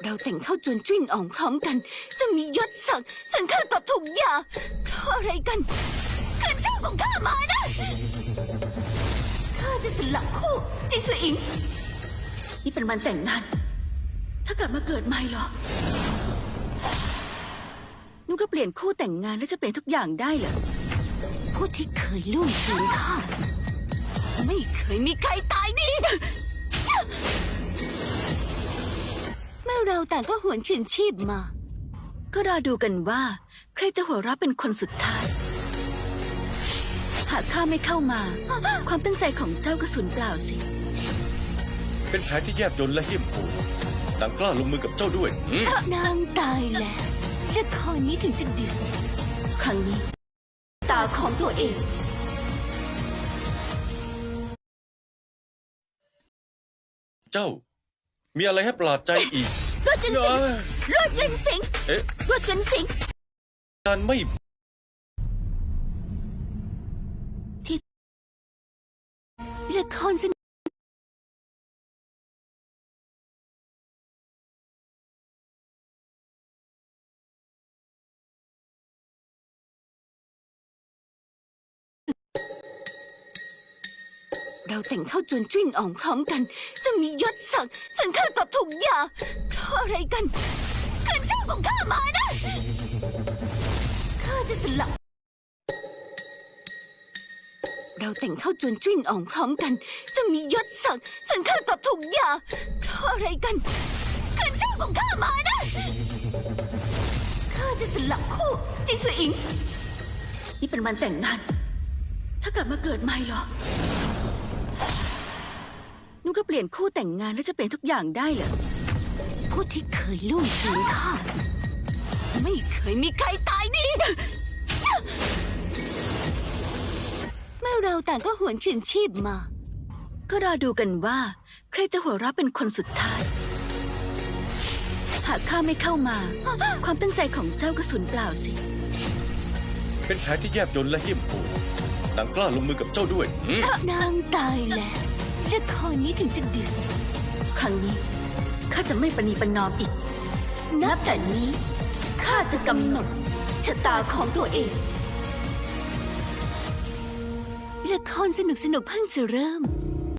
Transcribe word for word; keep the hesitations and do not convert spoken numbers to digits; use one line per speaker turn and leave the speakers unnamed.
เราแต่งเข้าจวนจิ้นอ่องพร้อมกันจะมียศศักดิ์ส่วนข้าตอบถูกหย่าเพราะอะไรกันคืนชื่อของข้ามานะข้าจะสลักคู่จิงสวยอิงนี่เป็นวันแต่งงานถ้ากลับมาเกิดใหม่เหรอนุก็เปลี่ยนคู่แต่งงานแล้วจะเปลี่ยนทุกอย่างได้เหรอผู้ที่เคยล่วงเกินข้าไม่เคยมีใครตายดีเมื่อเราต่างก็หวนคืนชีพมาก็รอดูกันว่าใครจะหัวเราะเป็นคนสุดท้ายหากข้าไม่เข้ามาความตั้งใจของเจ้าก็สูญเปล่าสิ
เป็นแผนที่แยบยลและเหี้ยมโหดนางกล้าลงมือกับเจ้าด้วย
นางตายแล้วละครนี้ถึงจะเดือดครั้งนี้ตาของตัวเอง
เจ้ามีอะไรให้ประหลาดใจอีก
รวดจนสิงรวดจนสิง
เอ๊ะ
รวดจนสิง
การไม่
ที่ละครสนุกเราแต่งเข้าจวนจิ้นอ่องพร้อมกันจะมียศศักดิ์ส่วนข้าตอบถูกหย่าเพราะอะไรกันคืนชื่อของข้ามานะข้าจะสลักเราแต่งเข้าจวนจิ้นอ่องพร้อมกันจะมียศศักดิ์ส่วนข้าตอบถูกหย่าเพราะอะไรกันคืนชื่อของข้ามานะข้าจะสลักคู่จิงสวยอิงนี่เป็นวันแต่งงานถ้ากลับมาเกิดใหม่เหรอนุก็เปลี่ยนคู่แต่งงานแล้วจะเปลี่ยนทุกอย่างได้เหรอผู้ที่เคยล่วงเกินข้าไม่เคยมีใครตายดีเมื่อเราต่างก็หวนคืนชีพมาก็รอดูกันว่าใครจะหัวเราะเป็นคนสุดท้ายหากข้าไม่เข้ามาความตั้งใจของเจ้าก็สูญเปล่าสิ
เป็นแผนที่แยบยลและเหี้ยมโหดนางกล้าลงมือกับเจ้าด้วย
นางตายแล้วละครนี้ถึงจะเดือดครั้งนี้ข้าจะไม่ประนีประนอมอีกนับแต่นี้ข้าจะกำหนดชะตาของตัวเองละครสนุกสนุกเพิ่งจะเริ่ม